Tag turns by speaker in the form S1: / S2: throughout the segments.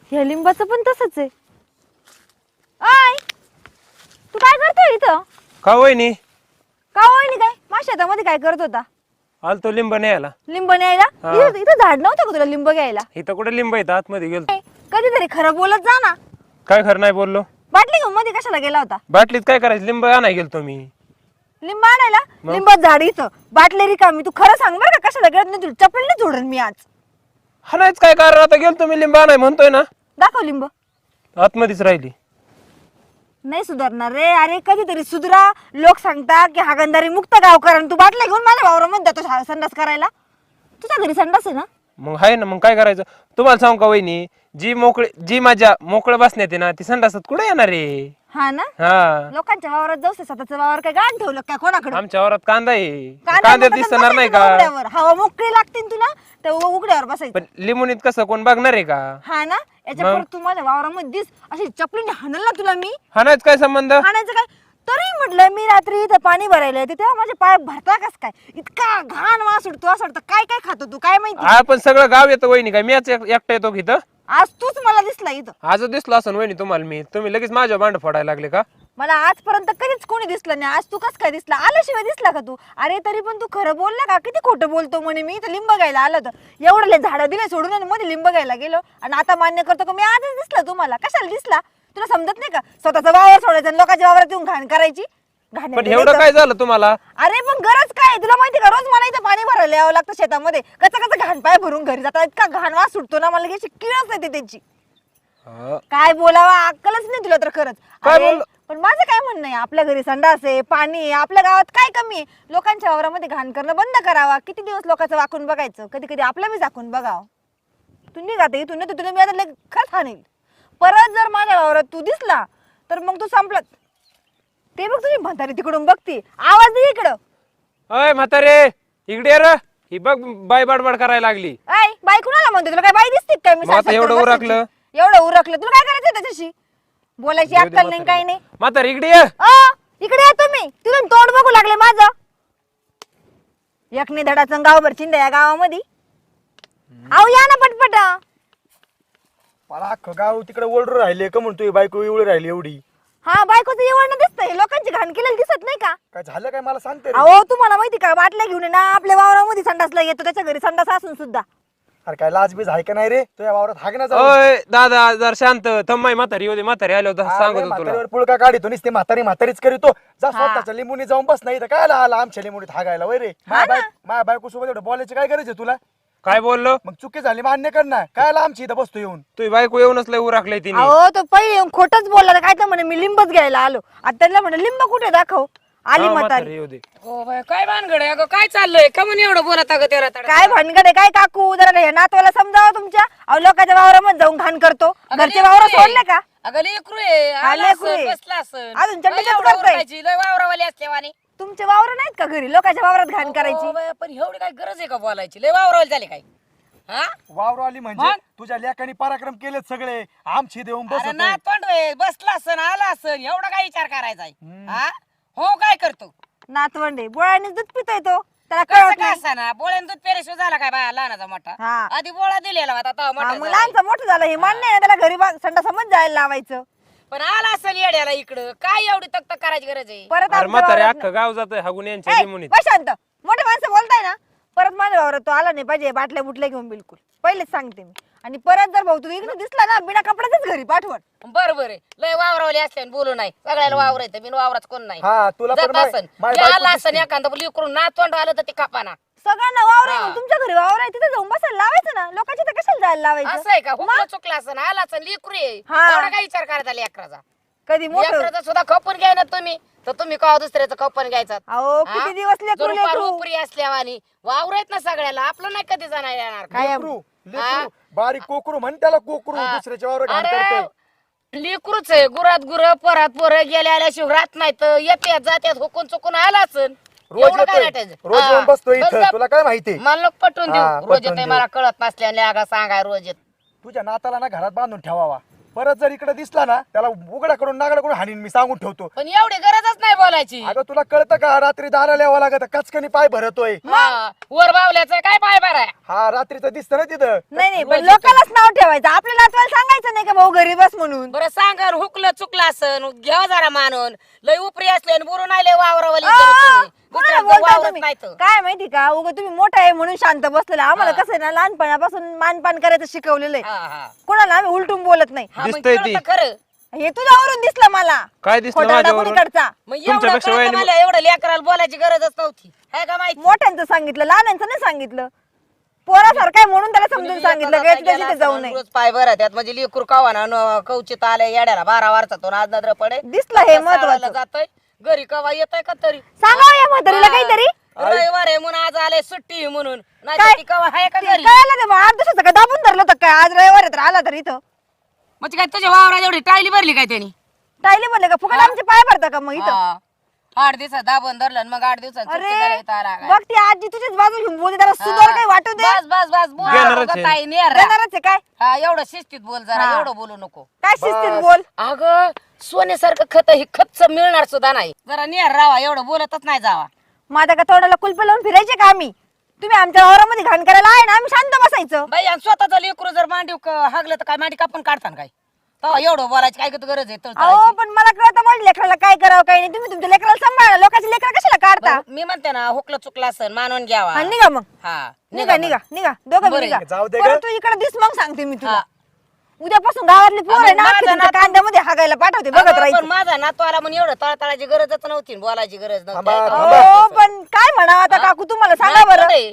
S1: ह्या लिंबाचं पण तसंच आहे. आय तू काय करतोय इथं?
S2: का वहिनी?
S1: का होईनी काय माझ्या शेतामध्ये काय करत होता?
S2: आलतो लिंब न्यायला.
S1: लिंब न्यायला?
S2: हा.
S1: इथं झाड नव्हतं का तुला लिंब घ्यायला?
S2: इथं कुठे लिंब आहेत? आतमध्ये गेलो.
S1: कधीतरी खरं बोलत जा ना.
S2: काय खरं नाही बोललो.
S1: बाटली घेऊन मध्ये कशाला गेला होता?
S2: बाटलीत काय करायचं? लिंब आणाय गेलतो मी.
S1: लिंब आणायला?
S2: मग?
S1: लिंबात झाड इथं, बाटली रिकामी. तू खरं सांग बरं का, कशाला गेला? नाही तुला चपलीने जोडन मी आज.
S2: हा नाहीच काय कारण, आता गेलतो मी लिंब आणाय म्हणतोय ना.
S1: दाखव लिंब.
S2: आतमध्येच राहिली.
S1: नाही सुधारणार रे. अरे कधीतरी सुधरा. लोक सांगता की हागंदारी मुक्त गावकर आणि तू बाटल्या घेऊन माझ्या वावरामध्ये जातो संडास करायला. तुझ्या घरी संडास आहे ना?
S2: मग आहे ना, मग काय करायचं? तुम्हाला सांगू का वहिनी, जी माझ्या मोकळं बसण्यात आहे ना, ती संडासात कुठे येणार आहे?
S1: हा ना.
S2: हा,
S1: लोकांच्या वावरात जाऊ स्वतःचं वावर काय गाण ठेवलं काय कोणाकडे?
S2: आमच्या वावरात कांदा आहे.
S1: कांद्यात
S2: कांद्यात दिसणार नाही का?
S1: उघड्यावर हवा मोकळी लागते ना तुला, तर उघड्यावर बसायचं.
S2: पण लिंबुनीत कसं कोण बघणार आहे का?
S1: हा ना. याच्या परत तू माझ्या वावरामध्ये दिस अशी चपलीने हाणल ना तुला मी.
S2: हा नाहीच काय संबंध?
S1: हाणायचं काय? तरी म्हटलं मी रात्री इथं पाणी भरायला येते तेव्हा माझे पाय भरता कस काय? इतका घाण वास उडतो असं वाटतं काय काय खातो तू काय माहिती?
S2: आपण सगळं गाव येतो वहिनी, काय मीच एकटा येतो इथं?
S1: आज तूच मला दिसला इथं.
S2: आज दिसलो असं वहिनी तुम्हाला मी, तुम्ही लगेच माझ्या भांड फोडायला लागले का?
S1: मला आजपर्यंत कधीच कोणी दिसलं नाही. आज तू कस काय दिसला? आल्याशिवाय दिसला का तू? अरे तरी पण तू खरं बोलला का? किती खोटं बोलतो म्हणे मी इथं लिंब घ्यायला आलो होतं. एवढे झाडं दिले सोडून आणि मध्ये लिंब घ्यायला गेलो आणि आता मान्य करतो का मी आजच दिसला तुम्हाला? कशाला दिसला? तुला समजत नाही का? स्वतःचा वावर सोडायचा आणि लोकांच्या वावरात येऊन घाण करायची?
S2: पण एवढं काय झालं तुम्हाला?
S1: अरे पण गरज काय? तुला माहिती का रोज मला इथं पाणी भरायला यावं लागतं शेतामध्ये. कचा घाण पाय भरून घरी जातात. इतका घाण वास सुटतो ना मला की अशी किळच येते त्याची. काय बोलावा अक्कलच नाही तुला तर खरंच.
S2: काय
S1: अरे,
S2: बोल-
S1: पण माझं काय म्हणणं आहे, आपल्या घरी संडास आहे, पाणी आहे, आपल्या गावात काय कमी आहे? लोकांच्या वावरामध्ये घाण करणं बंद करावा. किती दिवस लोकांचं वाकून बघायचं? कधी कधी आपलं बी झाकून बघावं. तू निघात इथून नाही तर तुला मी आता खरंच हाणेल. परत जर माझ्या वावरात तू दिसला तर मग तू संपलं. ते बघ तुझी म्हातारी तिकडून बघती. आवाज दे इकडं.
S2: अय म्हातारे, इकडे ये रे. ही बघ बाय बडबड करायला लागली.
S1: ऐ बाई कुणाला म्हणते? तुला काय बाई दिसते काय? मी
S2: मग आता
S1: 60-70
S2: एवढं
S1: वर्षाची.
S2: उरकलं?
S1: एवढं उरकलं तुला काय करायचं त्याच्याशी? बोलायची अक्कल नाही काही नाही.
S2: म्हातारे इकडे ये.
S1: इकडे या तुम्ही. तिथून तोंड बघू लागले माझं. एकने धडाचं गावभर चिंदा या गावामध्ये. अहो या ना पटपट.
S3: मला अख्खं गाव तिकडे ओरडून राहिले का म्हणतोय बायको एवढी राहिली एवढी.
S1: हा बायकोचं एवढं दिसतंय. लोकांची घाण केलेली दिसत नाही का?
S3: काय झालं काय मला सांगते रे.
S1: अहो तुम्हाला माहिती का, बाटल्या घेऊन आहे ना आपल्या वावरामध्ये संडासला येतो. त्याच्या घरी संडास असून सुद्धा.
S3: अरे काय लाजबीज आहे का नाही रे तुझ्या वावरात हागना
S2: ओय दादा जर शांत थम्माई म्हातारी होते. म्हातारी आले होते सांगत होतो तुला.
S3: पुळका काढितो नुसते म्हातारीच करीतो. जा
S1: हा.
S3: स्वतःच्या लिंबूनी जाऊन बस नाही तर काय आला आमच्या लिंबूनीत हागायला वय रे. माझ्या बायको सोबत एवढं बोलायची काय गरज आहे तुला?
S2: काय बोललो?
S3: मग चुकी झाली मान्य कर ना. काय आला आमची इथं बसतो येऊन.
S2: तुझी बायको येऊनच लय उराकलंय तिने.
S1: अहो तो पहिले येऊन खोटच बोलला. काय तर म्हणे मी लिंबच घ्यायला आलो. आता त्यांना म्हणे लिंब कुठे दाखव. आली
S2: हा,
S1: म्हातारी.
S2: म्हातारी येऊ दे.
S4: हो बाय, काय भानगड आहे? अगं काय चाललंय का म्हणून एवढं बोलत अगं तेरा तडा?
S1: काय भानगड आहे काय काकू? जरा हे नातवाला समजावं तुमच्या. अहो लोकांच्या वावरामध्ये जाऊन घाण करतो.
S4: अगं
S1: घरचे
S4: लेकरू
S1: वावर
S4: आहे.
S1: सोडले का?
S4: अगं लेकरू आहे,
S1: हा,
S4: आला
S1: लेकरू
S4: असन,
S1: आहे.
S4: बसला असन.
S1: अजून चटचट
S4: काय एवढं
S1: करतोय.
S4: ओरडायची? लय वावरावाली असल्यावानी.
S1: तुमचे वावर नाहीत का घरी? लोकांच्या वावरात घाण
S4: हो
S1: करायची.
S4: बाय, पण एवढी काय गरज आहे का बोलायची? लय वावरावाली झाली काय? हा?
S3: वावर आली म्हणजे
S4: मग?
S3: तुझ्या लेकानी पराक्रम केलेत सगळे. आमची देऊन
S4: अरे
S3: बसत
S4: ना तोंड आहे, बसला असन आला असन एवढा काय विचार करायचा आहे? हा? हो काय करतो?
S1: नातवंडे बोळ्याने दूध पितोय तो. त्याला
S4: कसं
S1: कळत
S4: काय
S1: नाही.
S4: असताना बोळ्यान दूध पेरेशिवाय झाला काय बाया लहानाचा मोठा?
S1: हा.
S4: आधी बोळा दिलेला होता तेव्हा
S1: हा,
S4: मोठा
S1: मग
S4: झाला.
S1: लहानचं मोठं झालं हे मान्य आहे. त्याला घरी संडासमच जायला लावायचं.
S4: पण आला असन येड्याला इकडं काय एवढी तक करायची गरज आहे?
S1: परत
S2: अरे
S1: आमच्या
S2: म्हातारे
S1: वावरात
S2: अख्खं गाव जातोय हागून यांच्या
S1: ए,
S2: लिंबुनीत.
S1: बस शांत. मोठे माणसं बोलताय ना. परत माझ्या वावरात तो आला नाही पाहिजे. बाटल्या बुटल्या घेऊन बिलकुल. पहिलेच सांगते मी. आणि परत जर भाऊ तू इकडे दिसला ना बिना कपड्याच घरी पाठवण.
S4: बर बर लय वावरावली असल्याने बोलू नाही. सगळ्याला वावर येतं बिन वावराच कोण नाही.
S3: हा तुला पण
S4: जात असन
S3: माझी
S4: आला
S3: बायको
S4: असन एखादा लिकरून नातवंड आलं तर ते कापाना.
S1: सगळ्यांना वावर आहे.
S4: हा.
S1: मग तुमच्या घरी वावर आहे तिथे जाऊन बसायला लावायचं ना. लोकांच्या तर कशाला जायला लावायचं?
S4: असं आहे का? हुकलं चुकलं असन आला असन लिकरू आहे.
S1: हा.
S4: एवढा काय विचार करायचा लेकराचा?
S1: कधी मोठं.
S4: लेकराचा सुद्धा खपून घ्याय ना तुम्ही तर तुम्ही का दुसऱ्याचं खपून घ्यायचा?
S1: अहो किती दिवस लेकरू लेकरू.
S4: उपरी असल्यावानी वावर आहेत ना सगळ्याला आपलं नाही कधी जाणार येणार काय
S3: लेकरू बारीक कोकरू म्हण त्याला कोकरू दुसऱ्याच्या वावर घाण करतोय.
S4: लेकरूच आहे. गुरात गुर परात पोर गेल्या आल्याशिवाय राहत नाही तर येत्यात जात्यात हुकून चुकून आला असन.
S3: रोज
S4: एवढं काय
S3: येतोय
S4: नाटायचं?
S3: रोज
S4: हा.
S3: येऊन बसतोय
S4: बस
S3: इथं
S4: गप.
S3: तुला काय माहिती.
S4: मला लोक पटवून
S3: हा,
S4: देऊ रोज
S3: पटवून
S4: येते
S3: देऊ.
S4: मला कळत नसल्याने आगा सांगाय रोज येत.
S3: तुझ्या नाताला ना घरात बांधून ठेवावा. परत जर इकडे दिसला ना त्याला उघडा करून नागडा करून हाणीन मी सांगून ठेवतो.
S4: पण एवढी गरजच नाही बोलायची.
S3: अगं तुला कळतं का रात्री दाराला यावं लागत कचकनी पाय भरतोय.
S4: हा, वर बावल्याचं काय पाय बरं आहे.
S3: हा रात्रीचं दिसतं ना तिथं.
S1: नाही पण लोकांनाच नाव ठेवायचं आपल्या नातवाला सांगायचं नाही का भाऊ घरी बस म्हणून.
S4: बरं सांगा हुकलं चुकलं असन घ्या जरा मानून लय उपरी असले आणि बुरून आले वावरावाली
S1: कोणाला बोलताय तुम्ही? काय माहिती का उगा तुम्ही मोठा आहे म्हणून शांत बसलेला आम्हाला कसं आहे ना लहानपणापासून मानपान करायचं शिकवलेलं आहे. कोणाला आम्ही उलटून बोलत नाही.
S2: दिसतंय ती.
S4: खरं
S1: हे तुझ्यावरून दिसलं मला.
S2: काय दिसलं
S1: खोटा
S2: माझ्यावरून?
S1: दाखवणीकडचा.
S4: मग एवढं
S2: तुमच्यापेक्षा
S4: कळतं
S2: वयाने-
S4: मला एवढं लेकराला बोलायची गरजच नव्हती आहे का माहिती.
S1: मोठ्यांचं सांगितलं लहानांचं नाही सांगितलं. पोरासारखं आहे म्हणून त्याला समजून सांगितलं का तिथे तिथे जाऊ नये.
S4: रोज पाय भरा त्यात म्हणजे लेकरू कावा कवचित आले येड्याला 12 वर्षातून आज नजर पडे
S1: दिसलं हे महत्वाचं.
S4: जातोय घरी कवा येतय का तरी
S1: सांगावं या म्हातारीला काहीतरी.
S4: रविवार आहे म्हणून आज आले सुट्टी म्हणून
S1: काय?
S4: नाही ती कवा आहे का घरी.
S1: कळायला ते 8 दिवसाचं काय दाबून धरलं होतं काय आज रविवार आहे तर आला तर इथं
S4: म्हणजे काय तुझ्या वावरात एवढी टायली भरली काय त्यांनी.
S1: टायले बोलले का फुकट आमचे पाय भरता का मग इथं.
S4: 8 दिवसात दाबून धरलं आणि मग 8 दिवसात सुट्टी
S1: अरे
S4: करायला इथं आला काय.
S1: बघ ती आजी तुझीच बाजू घेऊन बोलते त्याला सुधार काही वाटू दे.
S4: बस बस बस बोल
S2: घेणारच
S4: उगाच
S2: आहे.
S4: ताई नेर रा.
S1: देणारच आहे काय
S4: हा एवढं शिस्तीत बोल जरा
S1: हा.
S4: एवढं बोलू नको.
S1: काय शिस्तीत बोल.
S4: अगं सोन्यासारखं खत ही खतच मिळणार सुद्धा नाही जरा नेर राहा एवढं बोलतच नाही जावा.
S1: माझ्या का तोंडाला कुलप लावून फिरायचे का आम्ही. तुम्ही आमच्या वावरामध्ये घाण करायला आहे ना आम्ही शांत बसायचं.
S4: बाई आणि स्वतःच लेकरू जर मांडी हागलं तर काय मांडी कापून काढताना काय तेव्हा एवढं बोलायची काय गरज आहे
S1: अहो
S4: तळतळायची.
S1: पण मला कळतं माझ्या लेकराला काय करावं काय नाही. तुम्ही तुमच्या लेकराला सांभाळा लोकांची लेकरं कशाला काढता.
S4: बरं, मी म्हणते ना हुकलं चुकलं असं मानून घ्यावा.
S1: हा, निघा मग
S4: हा
S1: निघा निघा निघा दोघं
S4: बरं,
S1: निघा.
S3: जाऊ दे
S1: परत
S3: गं.
S1: तू इकडे दिस मग सांगते मी तुला.
S4: हा.
S1: उद्यापासून गावातली पोर आहे ना
S4: माझा
S1: अख्खी तुमच्या
S4: नातू-
S1: कांद्यामध्ये हागायला पाठवते बघत
S4: अगं, पण
S1: राहायचं.
S4: माझा नातू आला म्हणून एवढं तळतळाची गरजच नव्हती बोलायची गरज
S3: थांबा,
S4: नव्हती
S3: थांबा.
S1: हो पण काय म्हणावं आता काकू तुम्हाला सांगा बरं.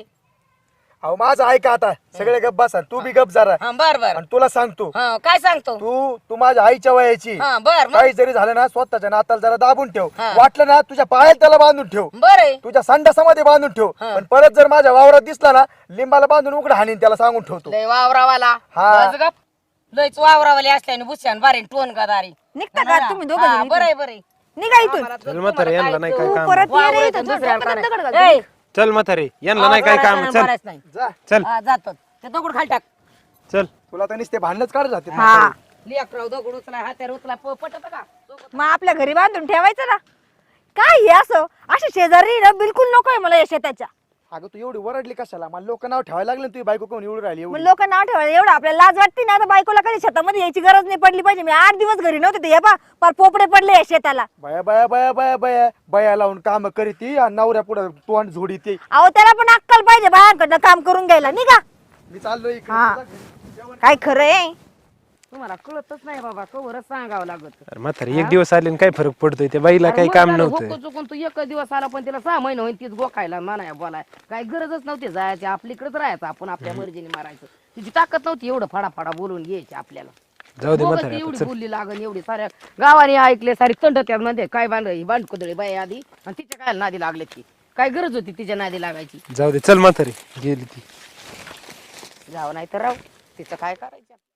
S3: अहो माझं ऐका आता सगळे गप बसा तू बी गप जरा.
S4: बर बर
S3: आणि तुला सांगतो
S4: काय सांगतो.
S3: तू माझ्या आईच्या वयाची.
S4: हा बर
S3: काही जरी झालं ना स्वतःच्या नाताला जरा दाबून ठेव.
S4: हा.
S3: वाटलं ना तुझ्या पायात त्याला बांधून ठेव.
S4: बर आहे.
S3: तुझ्या संडासामध्ये बांधून ठेव.
S4: हा.
S3: पण परत जर माझ्या वावरात दिसला ना लिंबाला बांधून उघड हाणीन त्याला सांगून ठेवतो.
S4: लय वावरावाला
S3: हा.
S4: बस गप. लयच वावरावाली असल्याने बुशान बारीन टोन गदारी
S1: निघता का तुम्ही दोघं जण
S4: बरं
S1: इथून?
S4: आहे बरं आहे.
S1: निघा इथून.
S2: चल म्हातारे यांना नाही काय
S1: तू
S2: काम.
S1: परत ये रे
S4: वावर
S1: इथं.
S4: इथून
S1: चल,
S4: दुसऱ्याला
S1: डोक्यात दगड घाल.
S4: करायचं. ए,
S2: चल म्हातारे यांना नाही काय काम. चल
S4: मारायचं नाही.
S3: जा
S2: चल
S4: हा, जातो ते दगड खाली टाक.
S2: चल.
S3: तुला तर नुसते भांडणच काढत जाते.
S1: हा
S4: लेकराव दगड उचला हात्यावर उचला पटत का.
S1: मग आपल्या घरी बांधून ठेवायचं ना. काय हे असं असे शेजारी ना बिलकुल नकोय मला या शेताच्या.
S3: अगं तू एवढी वरडली कशाला मला लोक नाव ठेवायला लागले तुझी बायको कोण एवढी राहिली
S1: मग
S3: एवढी.
S1: लोक नाव ठेवायला एवढं आपल्याला लाज वाटते ना. आता बायकोला कधी शेतामध्ये यायची गरज नाही पडली पाहिजे. मी 8 दिवस घरी नव्हते ते हे पा पर पोपडे पडले या शेताला.
S3: बया बया बया बया बया बया लावून काम करीती आणि नवऱ्या पुढे तोंड झोडी ती.
S1: अहो त्याला पण अक्कल पाहिजे बायांकडनं काम करून घ्यायला निघा.
S3: मी चाललो इकडे.
S1: हा काय खरं आहे.
S4: तुम्हाला कळतच नाही बाबा कवरच सांगावं लागत.
S2: अरे म्हातारे एक दिवस आले आणि काय फरक पडतोय त्या बाईला काही काम नव्हतं.
S4: चुकून तू एक दिवस आला पण तिला 6 महिने होईल तीच गोखायला म्हणाय बोलाय काय गरजच नव्हती जायची आपलीकडेच राहायचं आपण आपल्या मर्जीने मारायचं. तिची ताकद नव्हती एवढं फाडाफाडा बोलून घ्यायची आपल्याला.
S2: जाऊ दे
S4: दोघं
S2: म्हातारे
S4: ती
S2: आता
S4: एवढी
S2: चल.
S4: बोलली लागन एवढी साऱ्या गावाने ऐकले सारी तंड त्यात मध्ये काय बांधकुदळी बाई आधी आणि तिच्या काय नादी लागले ती काय गरज होती तिच्या नादी लागायची.
S2: जाऊ दे चल म्हातारे गेली ती.
S4: जावं नाही तर राहू तिचं काय करायचं.